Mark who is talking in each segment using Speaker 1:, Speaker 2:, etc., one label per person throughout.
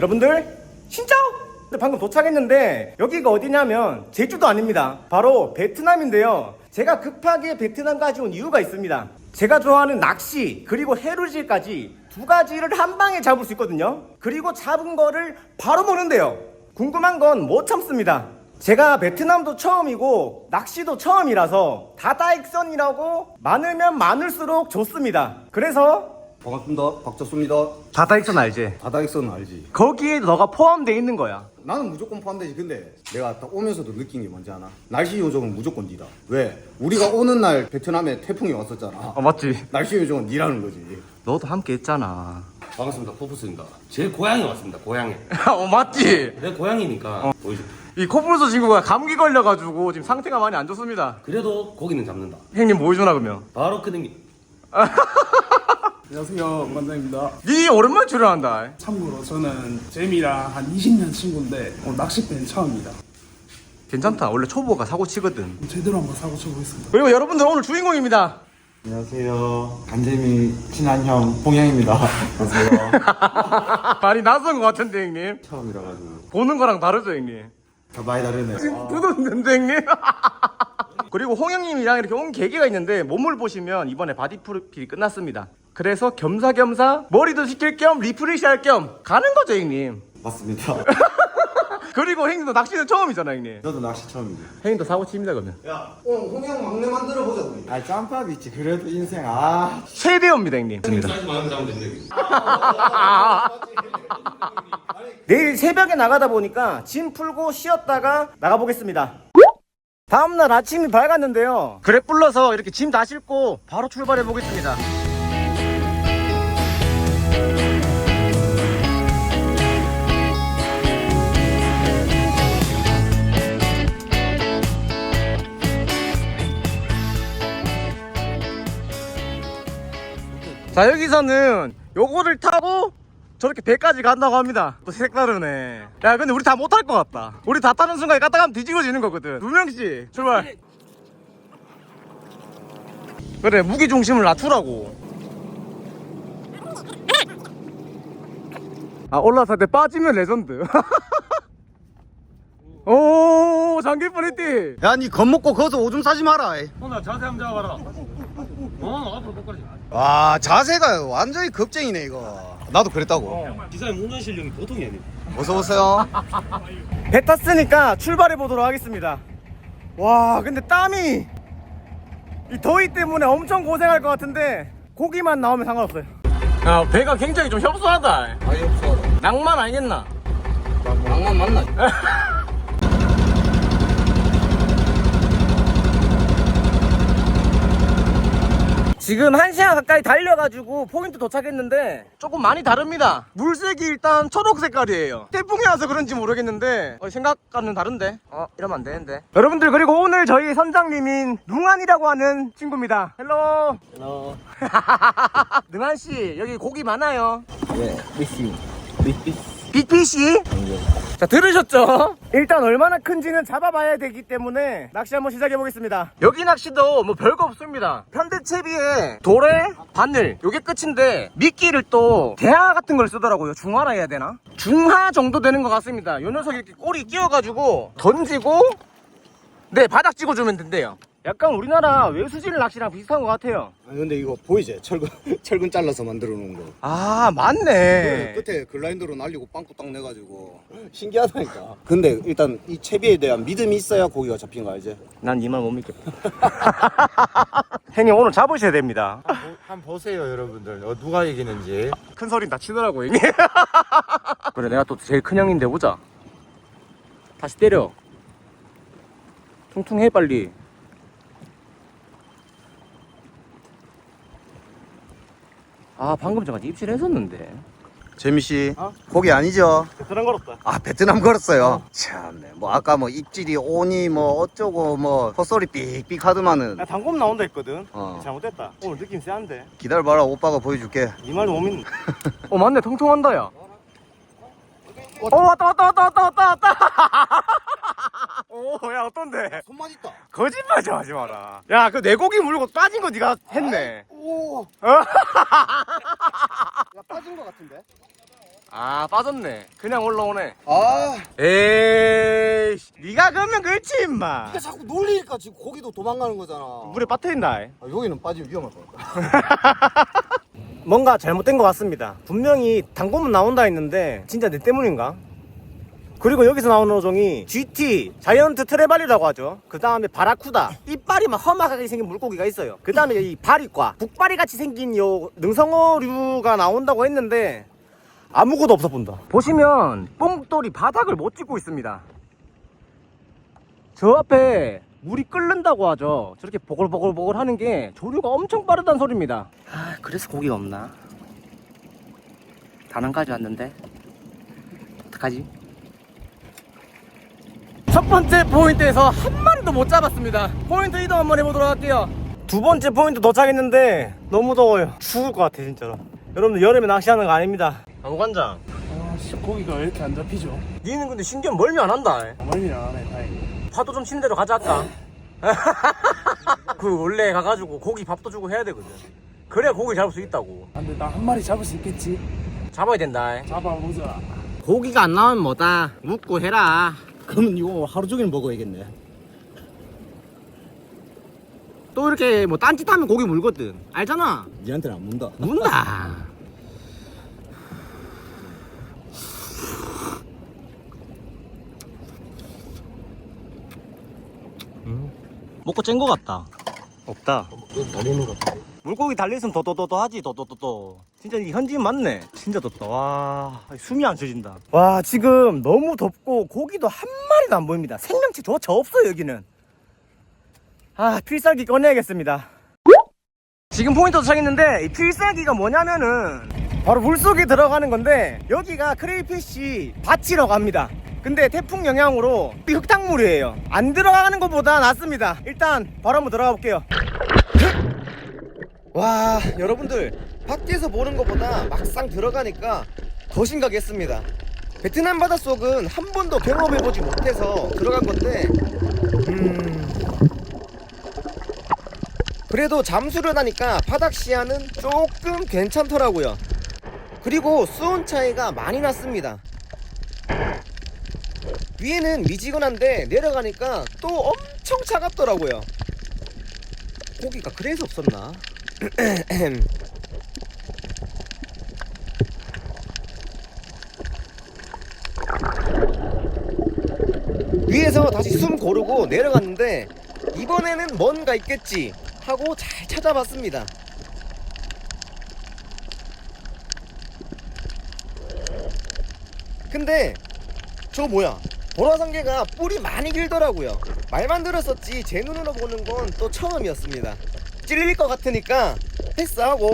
Speaker 1: 여러분들 진짜 방금 도착했는데 여기가 어디냐면 제주도 아닙니다. 바로 베트남인데요. 제가 급하게 베트남까지 온 이유가 있습니다. 제가 좋아하는 낚시 그리고 해루질까지 두 가지를 한 방에 잡을 수 있거든요. 그리고 잡은 거를 바로 먹는데요. 궁금한 건 못 참습니다. 제가 베트남도 처음이고 낚시도 처음이라서 다다익선이라고 많으면 많을수록 좋습니다. 그래서
Speaker 2: 반갑습니다. 박철수입니다.
Speaker 1: 다다익선 알지?
Speaker 2: 다다익선 알지?
Speaker 1: 거기에 너가 포함되어 있는 거야.
Speaker 2: 나는 무조건 포함되지. 근데 내가 딱 오면서도 느낀 게 뭔지 아나? 날씨 요정은 무조건 니다. 왜? 우리가 오는 날 베트남에 태풍이 왔었잖아.
Speaker 1: 맞지?
Speaker 2: 날씨 요정은 니라는 거지.
Speaker 1: 너도 함께 했잖아.
Speaker 3: 반갑습니다. 포프스입니다. 제 고향에 왔습니다. 고향에.
Speaker 1: 맞지?
Speaker 3: 내 고향이니까 보이죠.
Speaker 1: 이 코뿔소 친구가 감기 걸려가지고 지금 상태가 많이 안 좋습니다.
Speaker 3: 그래도 고기는 잡는다.
Speaker 1: 형님 뭐 해주나 그러면?
Speaker 3: 바로 그 능력.
Speaker 4: 안녕하세요, 관장입니다.
Speaker 1: 니 오랜만에 출연한다.
Speaker 4: 참고로 저는 재미랑 한 20년 친구인데 낚싯배는 처음입니다.
Speaker 1: 괜찮다. 원래 초보가 사고 치거든.
Speaker 4: 제대로 한번 사고 쳐보겠습니다.
Speaker 1: 그리고 여러분들 오늘 주인공입니다.
Speaker 5: 안녕하세요. 간재미 친한 형 봉양입니다. 안녕하세요.
Speaker 1: 많이 낯선 것 같은데 형님.
Speaker 5: 처음이라 가지고
Speaker 1: 보는 거랑 다르죠 형님.
Speaker 5: 다 많이 다르네.
Speaker 1: 뜯었는데 형님. 그리고 홍영님이랑 이렇게 온 계기가 있는데 몸을 보시면 이번에 바디 프로필이 끝났습니다. 그래서 겸사겸사 머리도 식힐 겸 리프레시 할 겸 가는 거죠 형님.
Speaker 5: 맞습니다.
Speaker 1: 그리고 형님도 낚시는 처음이잖아 형님.
Speaker 5: 저도 낚시 처음이죠.
Speaker 1: 형님도 사고 칩니다 그러면.
Speaker 2: 야, 오늘 홍영 막내 만들어 보자 우리.
Speaker 5: 아 짬밥 있지. 그래도 인생
Speaker 1: 최대호입니다 형님.
Speaker 3: 사이즈 많은 사람 되는데.
Speaker 1: 내일 새벽에 나가다 보니까 짐 풀고 쉬었다가 나가보겠습니다. 다음날 아침이 밝았는데요. 그래 불러서 이렇게 짐 다 싣고 바로 출발해 보겠습니다. 자, 여기서는 요거를 타고 저렇게 배까지 간다고 합니다. 또 색다르네. 야, 근데 우리 다 못할 것 같다. 우리 다 타는 순간에 갔다 가면 뒤집어지는 거거든. 2명씩 출발. 그래, 무게중심을 낮추라고. 아, 올라설 때 빠지면 레전드. 오, 장기 뻔했디.
Speaker 2: 야, 니 겁먹고 거기서 오줌 싸지 마라.
Speaker 3: 나 자세 한번 잡아봐라. 앞으로 끝까지.
Speaker 2: 와, 자세가 완전히 겁쟁이네 이거. 나도 그랬다고.
Speaker 3: 기사의 운전 실력이 보통이 아니에요.
Speaker 2: 어서 오세요.
Speaker 1: 배 탔으니까 출발해 보도록 하겠습니다. 와, 근데 땀이 이 더위 때문에 엄청 고생할 것 같은데 고기만 나오면 상관없어요. 야, 배가 굉장히 좀 협소하다.
Speaker 2: 아예 없어.
Speaker 1: 낭만 아니겠나?
Speaker 2: 낭만 맞나?
Speaker 1: 지금 1시간 가까이 달려가지고 포인트 도착했는데 조금 많이 다릅니다. 물색이 일단 초록 색깔이에요. 태풍이 와서 그런지 모르겠는데 생각과는 다른데 이러면 안 되는데. 여러분들, 그리고 오늘 저희 선장님인 룽안이라고 하는 친구입니다. 헬로.
Speaker 2: 헬로.
Speaker 1: 능한씨, 여기 고기 많아요.
Speaker 5: 네, 미씨.
Speaker 1: 빅피시? 자, 들으셨죠? 일단 얼마나 큰지는 잡아봐야 되기 때문에 낚시 한번 시작해보겠습니다. 여기 낚시도 뭐 별거 없습니다. 편대채비에 도래, 바늘 요게 끝인데 미끼를 또 대하 같은 걸 쓰더라고요. 중하라 해야 되나? 중하 정도 되는 것 같습니다. 요 녀석이 이렇게 꼬리 끼워가지고 던지고 네, 바닥 찍어주면 된대요. 약간 우리나라 외수질 낚시랑 비슷한 것 같아요.
Speaker 2: 아니 근데 이거 보이지? 철근 잘라서 만들어 놓은 거.
Speaker 1: 아, 맞네.
Speaker 2: 끝에 글라인더로 날리고 빵꾸 딱 내가지고 신기하다니까. 근데 일단 이 채비에 대한 믿음이 있어야 고기가 잡힌 거 알지?
Speaker 1: 난 이 말 못 믿겠다. 형님, 오늘 잡으셔야 됩니다.
Speaker 5: 한번 보세요, 여러분들. 누가 이기는지.
Speaker 1: 큰 소리 다 치더라고 형님. 그래, 내가 또 제일 큰 형인데 보자. 다시 때려. 퉁퉁해 빨리. 아, 방금 전까지 입질했었는데.
Speaker 2: 재미씨 고기 아니죠?
Speaker 1: 베트남 걸었다.
Speaker 2: 아 베트남 걸었어요. 참네. 뭐 아까 뭐 입질이 오니 뭐 어쩌고 뭐 헛소리 삑삑 하더만은.
Speaker 1: 나 단검 나온다 했거든.
Speaker 2: 어.
Speaker 1: 잘못됐다. 오늘 느낌 세한데.
Speaker 2: 기다려봐라, 오빠가 보여줄게.
Speaker 1: 이 말도 못 믿는. 맞네, 통통한다 야. 왔다. 야, 어떤데?
Speaker 2: 손맛 있다.
Speaker 1: 거짓말 좀 하지 마라. 야, 그 내 고기 물고 빠진 거 네가 했네.
Speaker 2: 오. 야 빠진 거 같은데?
Speaker 1: 아 빠졌네. 그냥 올라오네.
Speaker 2: 아
Speaker 1: 에이 니가 그러면 그렇지 임마.
Speaker 2: 이게 자꾸 놀리니까 지금 고기도 도망가는 거잖아.
Speaker 1: 물에 빠뜨린다.
Speaker 2: 아, 여기는 빠지면 위험할 것 같다.
Speaker 1: 뭔가 잘못된 것 같습니다. 분명히 단검은 나온다 했는데 진짜 내 때문인가? 그리고 여기서 나오는 어종이 GT 자이언트 트레발이라고 하죠. 그 다음에 바라쿠다. 이빨이 막 험악하게 생긴 물고기가 있어요. 그 다음에 이 바리과 북바리 같이 생긴 요 능성어류가 나온다고 했는데 아무것도 없어 본다. 보시면 뽕돌이 바닥을 못 찍고 있습니다. 저 앞에 물이 끓는다고 하죠. 저렇게 보글보글보글 하는 게 조류가 엄청 빠르다는 소리입니다. 아, 그래서 고기가 없나? 단 한 가지 왔는데 어떡하지? 첫 번째 포인트에서 한 마리도 못 잡았습니다. 포인트 이동 한번 해보도록 할게요. 두 번째 포인트 도착했는데 너무 더워요. 죽을 것 같아 진짜로. 여러분들 여름에 낚시하는 거 아닙니다. 나무관장,
Speaker 4: 아씨 고기가 왜 이렇게 안 잡히죠?
Speaker 1: 니는 근데 신기한 멀미 안 한다.
Speaker 4: 멀미는 안 해, 다행히.
Speaker 1: 파도 좀 치는 대로 가자 할까? 그 원래 가가지고 고기 밥도 주고 해야 되거든. 그래야 고기 잡을 수 있다고.
Speaker 4: 아, 근데 나 한 마리 잡을 수 있겠지?
Speaker 1: 잡아야 된다.
Speaker 4: 잡아보자.
Speaker 1: 고기가 안 나오면 뭐다 묵고 해라.
Speaker 2: 그러면 이거 하루 종일 먹어야겠네.
Speaker 1: 또 이렇게 뭐 딴짓하면 고기 물거든. 알잖아.
Speaker 2: 니한테는 안 문다.
Speaker 1: 문다. 먹고 짠 거 같다. 없다.
Speaker 2: 달리는 거 같아.
Speaker 1: 물고기 달리있으면 더더더더 하지. 더더더더. 진짜 이 현지인 맞네. 진짜 덥다. 와, 숨이 안 쉬어진다. 와, 지금 너무 덥고 고기도 한 마리도 안 보입니다. 생명체조차 없어요 여기는. 아, 필살기 꺼내야겠습니다. 지금 포인트 도착했는데 이 필살기가 뭐냐면은 바로 물속에 들어가는 건데, 여기가 크레이피쉬 밭이라고 합니다. 근데 태풍 영향으로 흙탕물이에요. 안 들어가는 것보다 낫습니다. 일단 바로 한번 들어가 볼게요. 와, 여러분들 밖에서 보는 것보다 막상 들어가니까 더 심각했습니다. 베트남 바닷속은 한 번도 경험해보지 못해서 들어간 건데 그래도 잠수를 하니까 바닥 시야는 조금 괜찮더라고요. 그리고 수온 차이가 많이 났습니다. 위에는 미지근한데 내려가니까 또 엄청 차갑더라고요. 고기가 그래서 없었나? 위에서 다시 숨 고르고 내려갔는데 이번에는 뭔가 있겠지 하고 잘 찾아봤습니다. 근데 저 뭐야, 보라상계가 뿔이 많이 길더라고요. 말만 들었었지 제 눈으로 보는 건 또 처음이었습니다. 찔릴 것 같으니까 패스하고.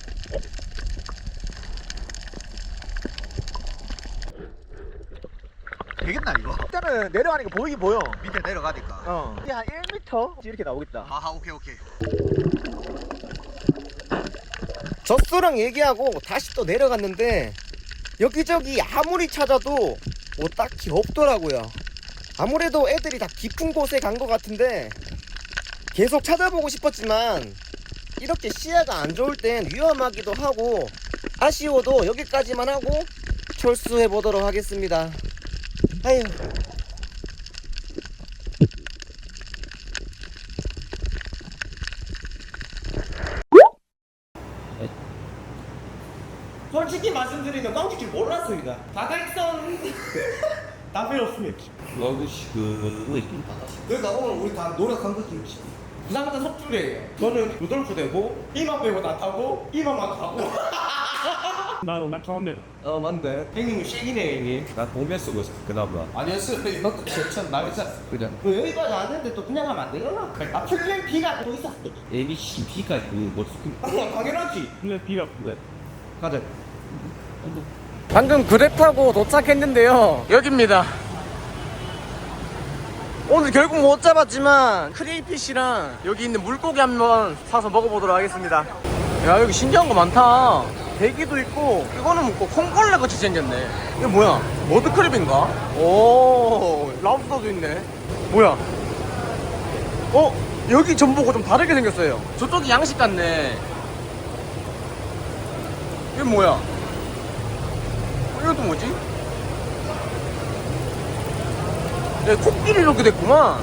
Speaker 2: 되겠나 이거?
Speaker 1: 일단은 내려가니까 보이긴 보여.
Speaker 2: 밑에 내려가니까.
Speaker 1: 이게 한 1m 이렇게 나오겠다.
Speaker 2: 아하, 오케이.
Speaker 1: 젖소랑 얘기하고 다시 또 내려갔는데 여기저기 아무리 찾아도 뭐 딱히 없더라고요. 아무래도 애들이 다 깊은 곳에 간 것 같은데 계속 찾아보고 싶었지만 이렇게 시야가 안 좋을 땐 위험하기도 하고 아쉬워도 여기까지만 하고 철수해 보도록 하겠습니다. 아휴. 솔직히 말씀드리면 꽝칠 줄 몰랐습니다. 다각선 다 필요 없습니다. 그러니까 오늘 우리 다 노력한 거지. 부산부터 석줄이에요. 저는 루돌프 되고 이만 빼고 다 타고 이만만 가고.
Speaker 4: 나 가운데.
Speaker 1: 맞네. 형님은 쉐기네 형님.
Speaker 5: 나 동면 쓰고 있어 그나보다.
Speaker 2: 아니었어. 이만큼 괜찮 나겠어.
Speaker 5: 그래.
Speaker 1: 여기까지 왔는데 또 그냥 하면 안 되잖아. 아 플랜 B가 또 있었어.
Speaker 5: A, B, C, B까지 뭐
Speaker 1: 당연하지.
Speaker 4: 근데 비가 그래.
Speaker 1: 가자. 방금 그랩 타고 도착했는데요. 여기입니다. 오늘 결국 못 잡았지만 크레이피쉬랑 여기 있는 물고기 한번 사서 먹어보도록 하겠습니다. 야, 여기 신기한 거 많다. 대기도 있고 이거는 뭐고 콩벌레 같이 생겼네. 이게 뭐야? 머드크랩인가? 오, 랍스터도 있네. 뭐야? 여기 전보고 좀 다르게 생겼어요. 저쪽이 양식 같네. 이게 뭐야? 이건 또 뭐지? 야, 코끼리 이렇게 됐구만.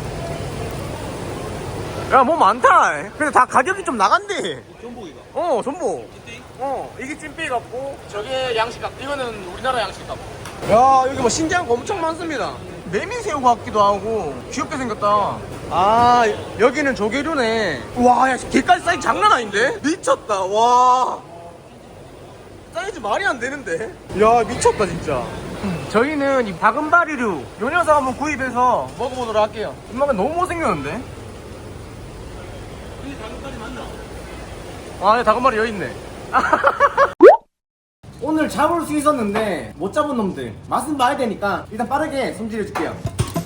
Speaker 1: 야, 뭐 많다. 근데 다 가격이 좀 나간대.
Speaker 3: 전복이가.
Speaker 1: 전복. 이게 찐빼이 같고, 저게 양식 같고, 이거는 우리나라 양식 같고. 야, 여기 뭐 신기한 거 엄청 많습니다. 메밀새우 같기도 하고, 귀엽게 생겼다. 아, 여기는 조개류네. 와, 야, 개까지 사이즈 장난 아닌데? 미쳤다, 와. 사이즈 말이 안 되는데? 야, 미쳤다, 진짜. 저희는 이 다금바리류, 요 녀석 한번 구입해서 먹어보도록 할게요. 엄마가 너무 못생겼는데? 아, 다금바리 여기 있네. 오늘 잡을 수 있었는데 못 잡은 놈들 맛은 봐야 되니까 일단 빠르게 손질해 줄게요.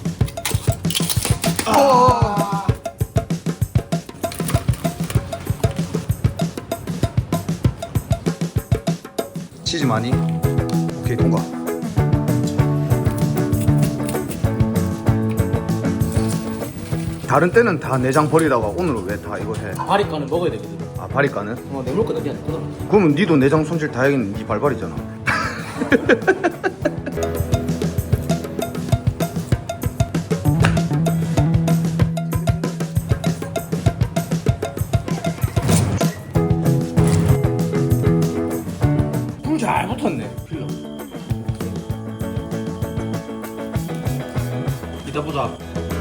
Speaker 2: 치즈 많이? 오케이 통과. 다른 때는 다 내장 버리다가 오늘은 왜 다 이거 해?
Speaker 1: 바리까는 먹어야 되거든.
Speaker 2: 아 바리까는?
Speaker 1: 내물 거 되게 안 되거든.
Speaker 2: 그러면 니도 내장 손질 다 해야겠는 니 발발이잖아.
Speaker 1: 불 잘 붙었네.
Speaker 3: 이따 보자.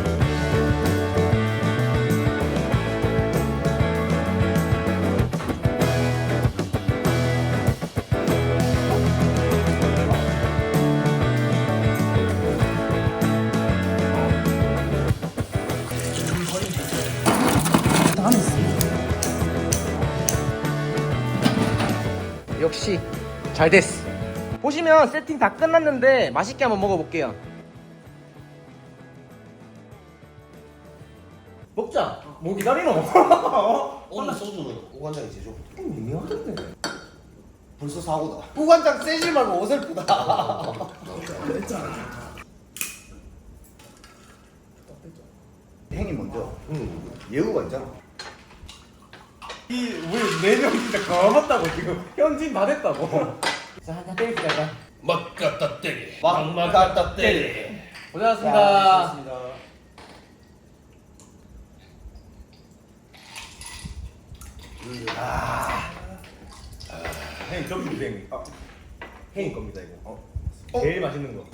Speaker 1: 역시 잘 됐어. 보시면 세팅 다 끝났는데 맛있게 한번 먹어볼게요. 먹자. 뭐 기다리노?
Speaker 3: 오늘 소주는 오간장이 제일 좋고.
Speaker 1: 미묘하던데.
Speaker 2: 벌써 사고다.
Speaker 1: 후관장 세지 말고 어설프다.
Speaker 2: 행이 먼저. 예우가 있잖아.
Speaker 1: 우리 4명 진짜 거먹다고 지금 현진 다 됐다고. 자, 한잔 때리자, 일단.
Speaker 3: 막 갖다 때리.
Speaker 1: 막
Speaker 3: 갖다 때리.
Speaker 1: 고생하셨습니다. 형님 점심 주세요. 형님 겁니다 이거. 제일 맛있는 거.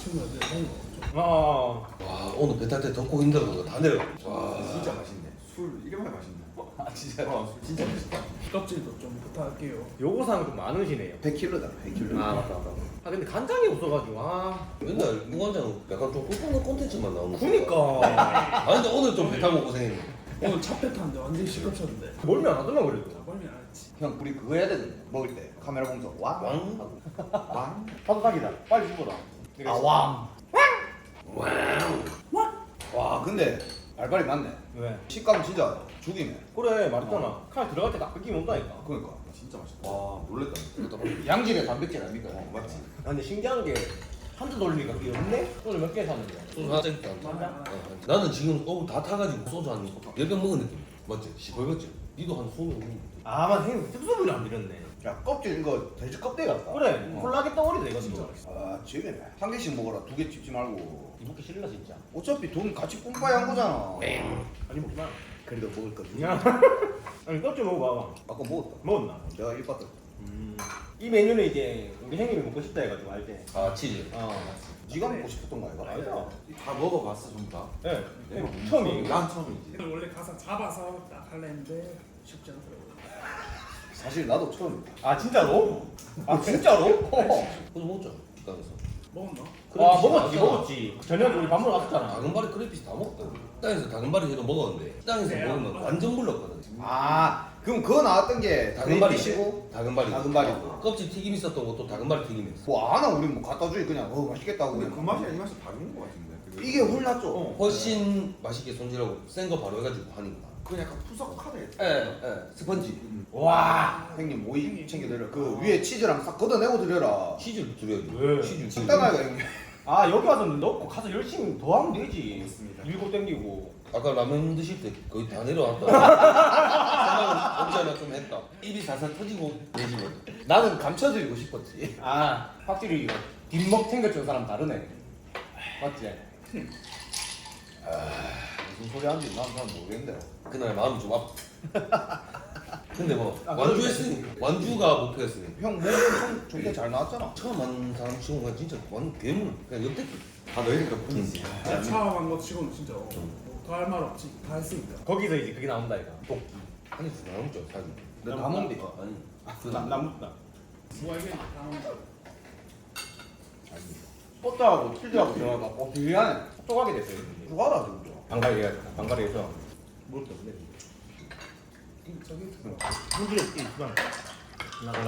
Speaker 3: 와 오늘 배 탈 때 덥고 힘들어 그거 다 내려. 와
Speaker 2: 진짜 맛있네. 술 이렇게 맛있네.
Speaker 1: 아 진짜.
Speaker 2: 술 진짜 맛있다.
Speaker 4: 껍질도 좀 부탁할게요.
Speaker 1: 요거상 좀 많으시네요.
Speaker 2: 100kg다. 100kg.
Speaker 1: 아 맞다. 아 근데 간장이 없어가지고
Speaker 3: 맨날 무간장 약간 좀 꿀꿀한 콘텐츠만 나오는.
Speaker 1: 그니까
Speaker 3: 아 근데 오늘 좀 배 타고 고생했네.
Speaker 4: 오늘 차배 탔는데 완전 시끄럽셨는데.
Speaker 1: 멀미 안 하더만 그래도.
Speaker 4: 멀미 안 했지.
Speaker 2: 형 우리 그거 해야 되는데 먹을 때 카메라 보면서 왕.
Speaker 3: 왕.
Speaker 2: 왕.
Speaker 1: 파도박이다. 빨리 죽어라.
Speaker 2: 아 왕. 와 근데 알바리 맞네.
Speaker 1: 왜?
Speaker 2: 식감 진짜 죽이네.
Speaker 1: 그래 말했잖아. 칼 들어갈 때 딱 느낌이 온다니까.
Speaker 2: 그러니까 진짜 맛있다. 와 놀랬다. 양질의 단백질 아닙니까? 맞지.
Speaker 1: 아, 근데 신기한 게 한두 돌리니까 그게 없네? 오늘 몇 개 샀는데?
Speaker 3: 소주 하나 땡겼다. 나는 지금 다 타가지고 소주 한 10병 먹은 느낌. 맞지? 시벌겠지? 니도 한 20병 먹는
Speaker 1: 아 맞아 형님 특수분이 안 드렸네.
Speaker 2: 야 껍질 이거 돼지 껍데기 같다.
Speaker 1: 그래 콜라겐 덩어리다 이거 진짜.
Speaker 2: 아 지금 한 개씩 먹어라. 2개 찝지 말고.
Speaker 1: 이먹기 싫나 진짜.
Speaker 2: 어차피 돈 같이 뿜빠이 한 거잖아.
Speaker 1: 아니 먹지 마.
Speaker 2: 그래도 먹을 거지.
Speaker 1: 야. 아니 껍질 먹어봐.
Speaker 2: 아까 먹었다.
Speaker 1: 먹었나?
Speaker 2: 내가 1바트.
Speaker 1: 이 메뉴는 이제 우리 형님이 먹고 싶다 해가지고 알 때.
Speaker 3: 아 치즈.
Speaker 2: 네가 먹고 싶었던 거 아이가?
Speaker 1: 알죠.
Speaker 6: 다 먹어봤어 전부 다?
Speaker 1: 네. 처음이에요.
Speaker 6: 난 처음이지.
Speaker 4: 원래 가서 잡아서 딱 하려는데 쉽지 않더라고요.
Speaker 2: 사실 나도 처음이다.
Speaker 1: 아 진짜로? 아 진짜로?
Speaker 3: 그거 먹자. 식당에서.
Speaker 4: 먹었나?
Speaker 1: 아 먹었지. 저녁에 우리 밥 먹으러 갔었잖아.
Speaker 3: 다금바리 크레피스 다 먹었다. 식당에서 다금바리 회도 먹었는데 식당에서 먹으면 완전 불렀거든.
Speaker 2: 아 그럼 그거 나왔던 게
Speaker 3: 다금바리
Speaker 2: 다금바리시고
Speaker 3: 다금바리.
Speaker 2: 다금바리고.
Speaker 3: 껍질 튀김 있었던 것도 다금바리 튀김이었어.
Speaker 2: 뭐 아나 우리 뭐 갖다 주니 그냥 맛있겠다고
Speaker 6: 근데
Speaker 2: 그냥.
Speaker 6: 그 맛이랑 이 맛이 다른 거 같은데.
Speaker 2: 이게 홀랐죠.
Speaker 3: 훨씬 맛있게 손질하고 센 거 바로 해가지고 하니까.
Speaker 6: 그 약간 푸석하네.
Speaker 2: 스펀지.
Speaker 1: 와.
Speaker 2: 형님 오이 챙겨드려. 그 위에 치즈랑 싹 걷어내고 드려라.
Speaker 3: 치즈를 드려야지.
Speaker 1: 왜?
Speaker 3: 치즈.
Speaker 2: 식당가가 형님.
Speaker 1: 아 여기 와서 넣고 가서 열심히 더 하면 되지. 맞습니다. 밀고 땡기고.
Speaker 3: 아까 라면 드실 때 거의 다 내려왔다. 생각은 없지 않아 좀 했다. 입이 살살 터지고 내지거든.
Speaker 6: 나는 감춰드리고 싶었지.
Speaker 1: 아 확실히 뒷먹 챙겨주는 사람 다르네. 맞지?
Speaker 2: 무슨 소리 하는지 난 모르겠는데.
Speaker 3: 그날 마음이 좀 아프. 근데 뭐 완주했으니 완주가 목표였으니
Speaker 2: 형 몸은 좀 좋게 잘 나왔잖아.
Speaker 3: 처음 만난 사람 치고가 진짜 완전 괴물. 그냥 역대급.
Speaker 6: 다 너희들 덕분이지.
Speaker 4: 야, 처음 한 거 치고는 진짜 더할 말 없지. 다 했으니까.
Speaker 1: 거기서 이제 그게 나온다 이거. 도끼.
Speaker 3: 아니 나오죠 사진.
Speaker 2: 근데 다 먹는데.
Speaker 3: 아니.
Speaker 1: 남다.
Speaker 4: 뭐야 이게 다 먹는
Speaker 2: 꽃다하고 틸드하고 전화가 비리하네.
Speaker 1: 똑똑하게 됐어요.
Speaker 2: 누가라 진짜.
Speaker 1: 방갈이에서 물도 없네.
Speaker 4: 저기
Speaker 1: 물들에 있구나. 나가라.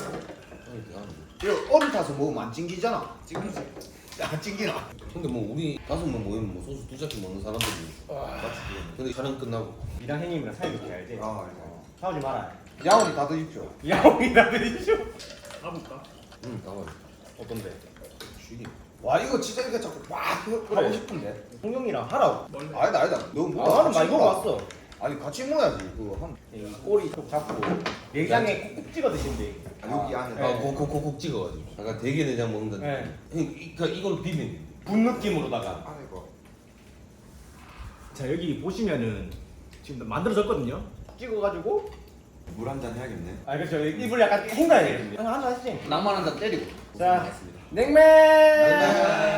Speaker 2: 이거 어리 타서 먹으면 안 찡기잖아.
Speaker 4: 찡기지.
Speaker 2: 안 찡기나?
Speaker 3: 근데 뭐 우리 5명 모이면 뭐 소주 2잔씩 먹는 사람들이 같이 근데 촬영 끝나고
Speaker 1: 이랑 형님이랑 사이 좋게 알지?
Speaker 6: 아,
Speaker 1: 싸우지 마라.
Speaker 2: 야원이 다 드십시오.
Speaker 1: 야옹이나 드리죠.
Speaker 4: 가볼까?
Speaker 3: 응 나와요.
Speaker 1: 어떤데?
Speaker 3: 쉬기.
Speaker 2: 와 이거 진짜 이거 자꾸 막 하고 싶은데.
Speaker 1: 홍영이랑 하라고.
Speaker 4: 원래
Speaker 2: 아니다. 너무
Speaker 1: 아,
Speaker 2: 먹어.
Speaker 1: 나는 많이 먹어봤어.
Speaker 2: 아니 같이 먹어야지. 그거 한.
Speaker 1: 이 꼬리 좀 잡고 내장에 콕콕 찍어 드신대.
Speaker 6: 여기 안에.
Speaker 3: 아 콕콕콕 찍어가지고. 약간 대게 내장 먹는다.
Speaker 1: 네.
Speaker 3: 그러니까 이걸 비빈.
Speaker 1: 분 느낌으로다가.
Speaker 6: 안에 거.
Speaker 1: 자 여기 보시면은 지금 만들어졌거든요. 찍어가지고
Speaker 6: 물 한 잔 해야겠네.
Speaker 1: 아 그렇죠. 입을 약간 헹가야 돼. 하나 하시지.
Speaker 2: 낭만 한 잔 때리고.
Speaker 1: 자 냉면.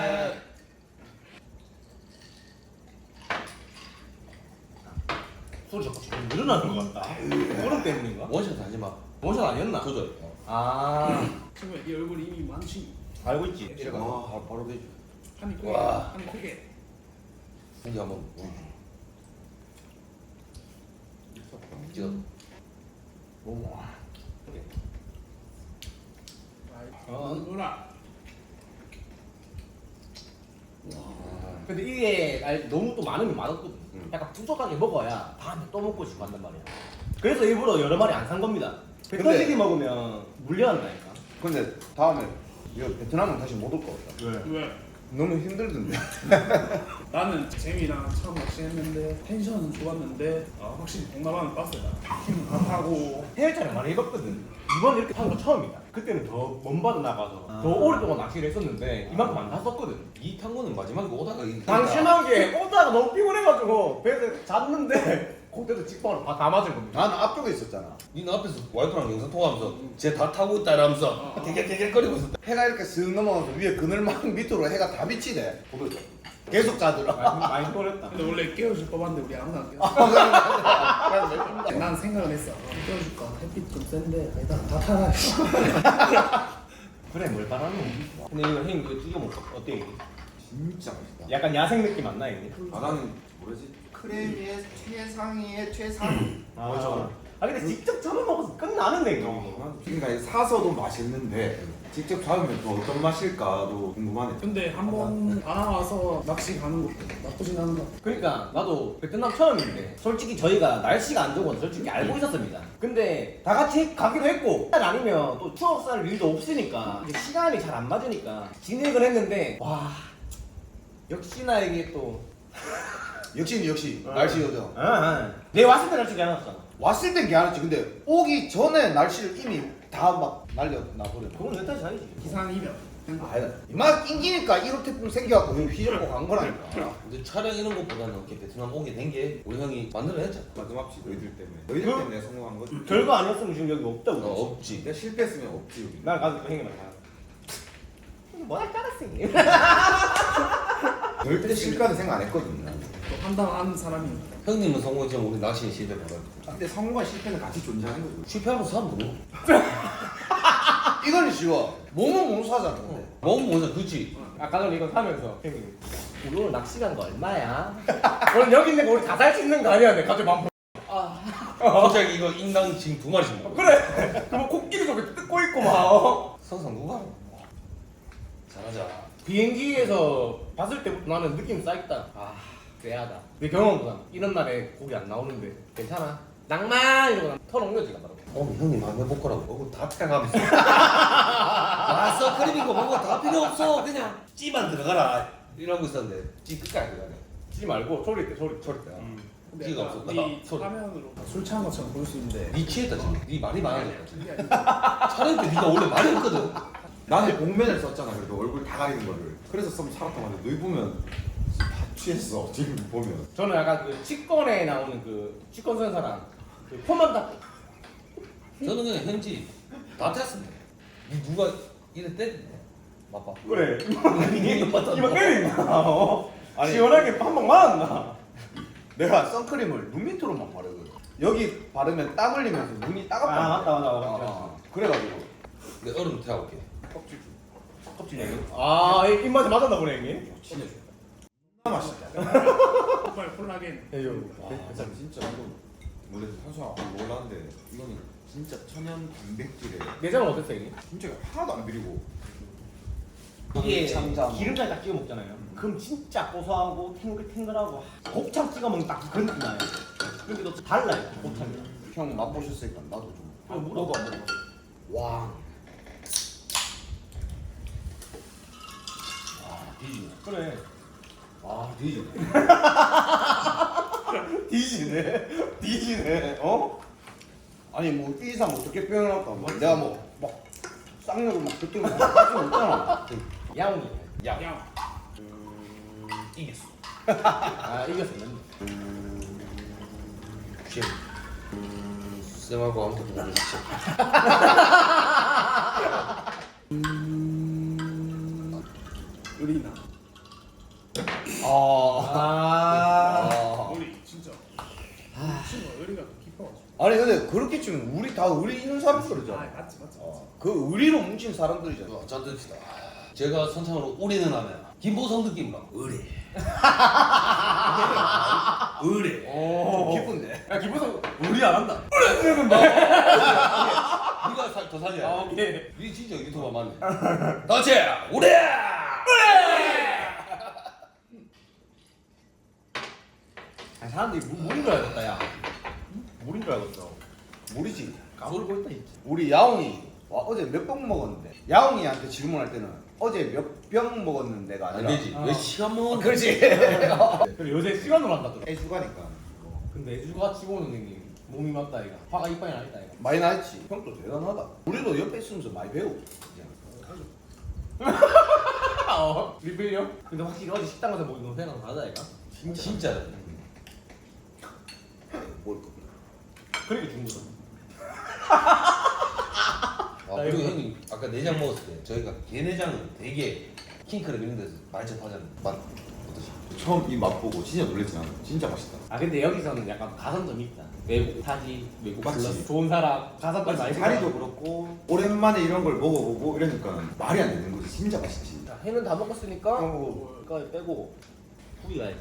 Speaker 1: 소리 자꾸 좀 늘어나는 것 같다. 얼음 때문인가?
Speaker 3: 원샷 하지 마.
Speaker 1: 원샷 아니었나?
Speaker 3: 조절.
Speaker 1: 아
Speaker 4: 친구야 네 얼굴 이미 많지.
Speaker 1: 알고 있지.
Speaker 3: 와 바로 되죠.
Speaker 4: 한입 크게.
Speaker 3: 와.
Speaker 4: 한입 크게.
Speaker 3: 고기 한번 보여줘. 찍어.
Speaker 4: 뭐라?
Speaker 1: 근데 이게 너무 또 많으면 많았거든. 약간 부족하게 먹어야 다음에 또 먹고 싶어 한단 말이야. 그래서 일부러 여러 마리 안 산 겁니다. 배
Speaker 2: 근데-
Speaker 1: 터지기 먹으면 물려한다니까.
Speaker 2: 근데 다음에 이거 베트남은 다시 못 올 것 같다.
Speaker 4: 왜?
Speaker 2: 너무 힘들던데.
Speaker 4: 나는 재미랑 처음 낚시했는데 텐션은 좋았는데 확실히 동남아는 빡세다. 힘 강하고
Speaker 1: 해외차를 많이 해봤거든. 이번 이렇게 타는 거 처음이다. 그때는 더 먼바다 나가서 더 오랫동안 낚시를 했었는데 이만큼 안 탔었거든.
Speaker 3: 이 탄거는 마지막에 오다가
Speaker 1: 방심한 게 오다가 너무 피곤해가지고 배에서 잤는데 그때도 직방으로 다 맞은 겁니다.
Speaker 2: 나는 앞쪽에 있었잖아.
Speaker 3: 니는 앞에서 와이프랑 영상 통화하면서 쟤 다 타고 있다 이러면서 개개개개거리고 있었다.
Speaker 2: 해가 이렇게 슥 넘어가서 위에 그늘막 밑으로 해가 다 비치대. 보여줘. 계속 자더라.
Speaker 1: 많이 피곤했다.
Speaker 4: 근데 원래 깨워줄 법한데 우리 아무도 안 깨워. 난 생각을 했어. 깨워줄까? 햇빛 좀 센데 아니다. 다 타라.
Speaker 1: 그래 뭘 바라노. 근데 이거 형님 이거 튀겨 먹어. 어때 이게?
Speaker 6: 진짜 맛있다.
Speaker 1: 약간 야생 느낌 안 나 이게?
Speaker 6: 아 나는 뭐지? 크레미의 최상위의 최상.
Speaker 1: 아 근데 직접 잡아 먹어서 끝나는데 이거.
Speaker 6: 그러니까 사서도 맛있는데 직접 잡으면 또 어떤 맛일까도 궁금하네.
Speaker 4: 근데 한번 알아와서 낚시 가는 것도 나쁘진 않은 것 같아.
Speaker 1: 그러니까 나도 베트남 처음인데 솔직히 저희가 날씨가 안 좋은 건 솔직히 알고 있었습니다. 근데 다 같이 가기도 했고 아니면 또 추억 쌓을 일도 없으니까 이제 시간이 잘 안 맞으니까 진행을 했는데 와 역시나 이게 또
Speaker 2: 역시 날씨 요정.
Speaker 1: 내 왔을 때 날씨가 안 왔잖아.
Speaker 2: 왔을 땐 괜찮았지. 근데 오기 전에 날씨를 이미 다 막 날려놔 버려.
Speaker 1: 그건 내 탓이 아니지.
Speaker 4: 기상 이변.
Speaker 2: 아니다. 이만 낑기니까 이렇게 생겨갖고 휘젓고 간 거라니까.
Speaker 3: 근데 촬영 이런 것보다는 이렇게 베트남 오게 된 게 우리 형이 만들어냈잖아.
Speaker 6: 마지막시 너희들 때문에. 너희들 때문에 성공한 거지.
Speaker 1: 별거 아니었으면 지금 여기 없다고.
Speaker 3: 없지.
Speaker 6: 내가 실패했으면 없지 여기.
Speaker 1: 난 가서 형님만 가. 뭐할 까랐어.
Speaker 6: 너희 때 실패는 생각 안 했거든.
Speaker 4: 또 판단하는 사람이.
Speaker 3: 형님은 성공했지만 우리 낚시는 실패 받았고.
Speaker 6: 근데 성공과 실패는 같이 존재하는 거지.
Speaker 3: 실패하면서 사람 모르고.
Speaker 2: 이거는 쉬워. 몸은 못 사잖아. 근데.
Speaker 3: 먹으면 뭐냐 그치?
Speaker 1: 아까 전에 이거 사면서 형님 우리 오늘 낚시 간 거 얼마야? 오늘 여기 있는 거 우리 다 살 수 있는 거 아니야? 내가 가지고 만
Speaker 3: 갑자기 이거 인당 지금 2마리씩 먹어.
Speaker 1: 그래. 그럼 코끼리 저기 뜯고 있고 막.
Speaker 3: 성상 누가? 잘하자.
Speaker 1: 비행기에서 봤을 때부터 나는 느낌 쌓였다. 아 쎄하다. 내 경험보다 이런 날에 고기 안 나오는데 괜찮아. 낭만 이러고 털 옮겨지가 바로.
Speaker 3: 형님 한번 해볼 거라고. 먹고 다 태가면서. 왔어 크림인 거 먹고 다 필요 없어. 그냥 찌만 들어가라. 이러고 있었는데 찌 끝까지 들어가네.
Speaker 1: 찌 말고 소리 때.
Speaker 4: 근데
Speaker 3: 기가
Speaker 4: 약간
Speaker 3: 없었다.
Speaker 4: 네
Speaker 3: 소리.
Speaker 4: 화면으로 술 취한 것처럼 보일 수 있는데
Speaker 3: 니 취했다 지금. 니 말이 많아졌다 지금.
Speaker 4: 그게 아니라
Speaker 3: 촬영 때 니가 원래 말이 없거든.
Speaker 6: 나는 복면을 썼잖아. 그래도 얼굴 다 가리는 거를. 그래서 좀 살았던 건데 너희 보면 다 취했어. 지금 보면.
Speaker 1: 저는 약간 그 치권에 나오는 그 치권 선사랑 그 폼만 딱
Speaker 3: 저는 그냥 현지 다 탔습니다. 누가 이래 때리네. 맞봐.
Speaker 1: 그래.
Speaker 3: 이거
Speaker 1: 때린다.
Speaker 2: 아니,
Speaker 1: 시원하게 한 방 맞았나?
Speaker 2: 내가 선크림을 눈 밑으로만 바르거든. 여기 바르면 땀 흘리면서 눈이 따갑다.
Speaker 1: 아, 맞다.
Speaker 2: 그래가지고
Speaker 3: 내 얼음 태워볼게.
Speaker 1: 껍질 아, 입맛에 맞았나 보네, 형님.
Speaker 3: 진짜
Speaker 2: 맛있다.
Speaker 4: 정말 콜라겐.
Speaker 6: 진짜 이거 원래 탄수화 안 올랐는데 이거는 진짜 천연 단백질에
Speaker 1: 내장은 어땠어, 형님?
Speaker 6: 진짜 하나도 안 비리고.
Speaker 1: 이게
Speaker 2: 참자.
Speaker 1: 기름장에 딱 찍어 먹잖아요. 그럼 진짜 고소하고 탱글탱글하고 곱창 찍어 먹는 딱 그런 느낌 나요. 근데 또 달라요, 곱창이랑.
Speaker 2: 형 맛보셨으니까 나도 좀.
Speaker 1: 너도 안 먹어.
Speaker 2: 와.
Speaker 3: 뒤지네.
Speaker 1: 그래.
Speaker 3: 아 뒤지네.
Speaker 2: 뒤지네. 뒤지네. 어? 아니 뭐 이 이상 어떻게 표현할까? 뭐 내가 뭐막 쌍욕을 막 그렇게 할수 없잖아.
Speaker 1: 야옹이.
Speaker 4: 야.
Speaker 3: 이겼어.
Speaker 1: 아, 이겼었는데.
Speaker 3: 쉐. 쌤하고 아무것도 모르는 쉐.
Speaker 4: 의리나.
Speaker 1: 아.
Speaker 4: 우리 진짜. 친구가 의리가 더 깊어가지고.
Speaker 2: 아니 근데 그렇게 치면 우리 다 의리 있는
Speaker 4: 아,
Speaker 2: 사람들이잖아.
Speaker 4: 맞지.
Speaker 2: 그 의리로 뭉친 사람들이잖아.
Speaker 3: 자 듭시다. 제가 선창으로 우리는 하면 김보성 느낌으로 의리. 의리.
Speaker 2: 좀 기쁜데.
Speaker 1: 야, 기분상 우리 안 한다.
Speaker 3: 네가 더 살려.
Speaker 1: 아, 오케이.
Speaker 3: 니 진짜 유튜버 맞네. 다치 우리.
Speaker 1: 아, 사람들이 물인 줄 알겠다, 야. 물인 줄 알겠어.
Speaker 2: 모르지.
Speaker 1: 까불고 있다, 진짜.
Speaker 2: 우리 야옹이 와, 어제 몇 병 먹었는데 야옹이한테 질문할 때는 어제 몇 병 먹었는데가
Speaker 3: 안
Speaker 2: 아니라
Speaker 3: 되지. 왜 시간 먹은?
Speaker 2: 그렇지.
Speaker 1: 그래, 요새 시간으로 한다더라.
Speaker 2: 애주가니까
Speaker 1: 근데 애주가 치고는 형님 몸이 맞다, 이가. 화가 이빨이 나 있다, 이가.
Speaker 2: 많이 나있지. 형도 대단하다. 우리도 옆에 있으면서 많이 배우고.
Speaker 1: 리필이요? 근데 확실히 어제 식당 가서 먹은 건 회랑 다르다, 이가.
Speaker 3: 진짜.
Speaker 2: 뭘 겁니다.
Speaker 1: 그러니까 중국은.
Speaker 3: 아, 그리고 형님 아까 내장 먹었을 때 저희가 게내장은 되게 킹크랩 이런 데서 많이 접하잖아요. 맛 어떠시?
Speaker 6: 처음 이 맛보고 진짜 놀랬지 나는. 진짜 맛있다.
Speaker 1: 아, 근데 여기서는 약간 가산점이 있다. 외국 타지, 외국
Speaker 6: 맞지.
Speaker 1: 플러스 좋은 사람, 가산점 많이
Speaker 6: 자리도 그렇고 오랜만에 이런 걸 먹어보고 이러니까 말이 안 되는 거지. 진짜 맛있지.
Speaker 1: 자, 회는 다 먹었으니까 그거 빼고 후기 가야지.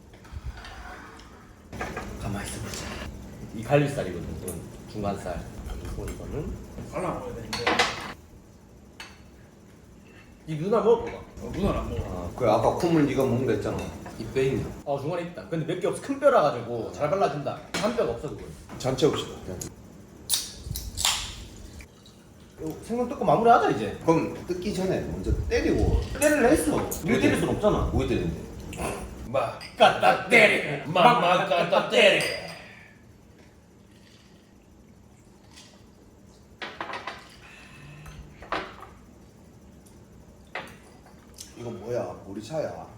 Speaker 1: 가만히 있어보자. 이 갈비살이거든. 이건 중간살. 그리고 이거는
Speaker 4: 발라 먹어야 되는데.
Speaker 1: 이 누나 먹어봐.
Speaker 4: 누나는 안 먹어.
Speaker 2: 아, 그 아까 콧물 네가 먹는다 했잖아.
Speaker 3: 입에 있네.
Speaker 1: 중간에 있다. 근데 몇 개 없어. 큰 뼈라 가지고 잘 발라준다. 한 뼈가 없어 그거.
Speaker 2: 전체 없이다.
Speaker 1: 생선 뜯고 마무리하자 이제.
Speaker 2: 그럼 뜯기 전에 먼저 때리고
Speaker 1: 때릴래 했어. 일 때릴 순 없잖아.
Speaker 3: 뭐 때리는데? 마
Speaker 1: 갖다 때리.
Speaker 3: 맘마 갖다 때리.
Speaker 2: 이거 뭐야? 보리차야.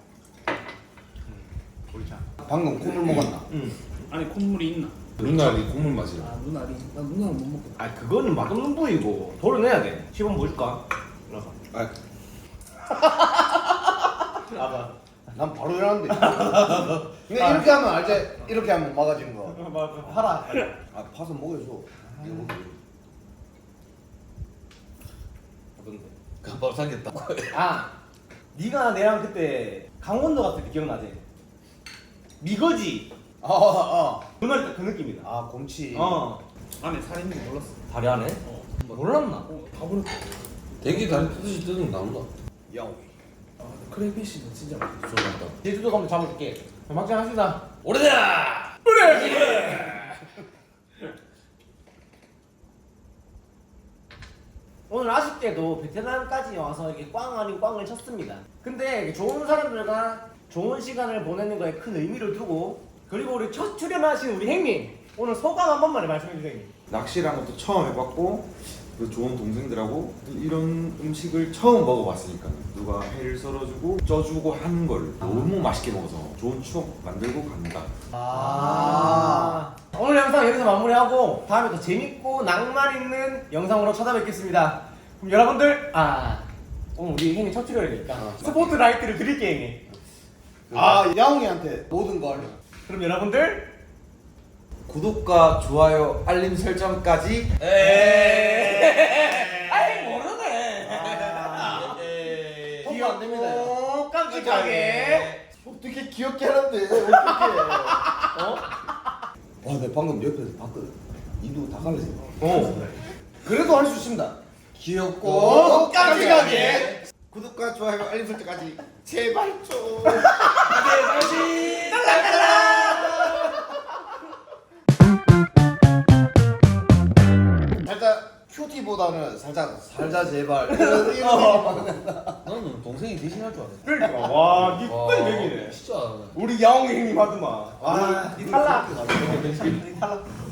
Speaker 1: 보리차.
Speaker 2: 방금 콧물 먹었나?
Speaker 1: 응.
Speaker 4: 아니 콧물이 있나?
Speaker 3: 누나리 국물 맛이야.
Speaker 4: 아 누나리. 나 누나는 못 먹겠다.
Speaker 1: 아 그거는 맛없는 부위고 도려내야 돼. 시범 보여줄까? 일어나.
Speaker 2: 아,
Speaker 1: 아봐.
Speaker 2: 난 바로 일하는데. 그러니까 이렇게 하면 알지? 이렇게 하면 막아진 거.
Speaker 1: 팔아.
Speaker 2: 아, 파서 먹여줘. 이거 먹여.
Speaker 1: 어떤데?
Speaker 3: 금방 삼겼다.
Speaker 1: 아, 네가 내랑 그때 강원도 갔을 때 기억나지? 미거지. 그 날 때 그 느낌이다.
Speaker 2: 아, 곰치.
Speaker 4: 안에 살 있는 거 몰랐어.
Speaker 1: 다리 안에? 몰랐나?
Speaker 4: 다 버렸다.
Speaker 3: 되게 다리 뜯듯이 뜯으면 나온다.
Speaker 2: 야옹이.
Speaker 4: 아 크레이피쉬는 진짜 맛있어.
Speaker 3: 쏠란다.
Speaker 1: 제주도 가면 잡아줄게. 막장 합시다.
Speaker 3: 오래다.
Speaker 1: 오늘 아쉽게도 베트남까지 와서 이렇게 꽝 아닌 꽝을 쳤습니다. 근데 좋은 사람들과 좋은 시간을 보내는 거에 큰 의미를 두고 그리고 우리 첫 출연하신 우리 형님 오늘 소감 한 번만에 말씀해 주세요. 형님.
Speaker 6: 낚시라는 것도 처음 해봤고 그 좋은 동생들하고 이런 음식을 처음 먹어봤으니까 누가 회를 썰어주고 쪄주고 하는 걸 너무 맛있게 먹어서 좋은 추억 만들고 갑니다.
Speaker 1: 오늘 영상 여기서 마무리하고 다음에 더 재밌고 낭만 있는 영상으로 찾아뵙겠습니다. 그럼 여러분들 오늘 우리 형님 첫 출연이니까 스포트라이트를 드릴게요 형님.
Speaker 2: 야옹이한테 모든 걸.
Speaker 1: 그럼 여러분들
Speaker 2: 구독과 좋아요, 알림 설정까지.
Speaker 1: 아이 모르네.
Speaker 2: 통보 안 됩니다.
Speaker 1: 깜찍하게.
Speaker 2: 어떻게 귀엽게 하는데 어떻게? 와, 내 방금 옆에서 봤거든. 이도 다 갈라져. 그래도 할 수 있습니다. 귀엽고 깜찍하게. 구독과 좋아요, 알림 설정까지 제발 좀. 살짝 큐티보다는 살짝 살자 제발 이런 느낌이 많은데.
Speaker 3: 너는 동생이 대신할 줄 알았어.
Speaker 1: 그러니까 와, 니 끝까지 맥이네.
Speaker 3: 진짜.
Speaker 1: 우리 야옹 형님 하더만. 니 탈락. 니 탈락.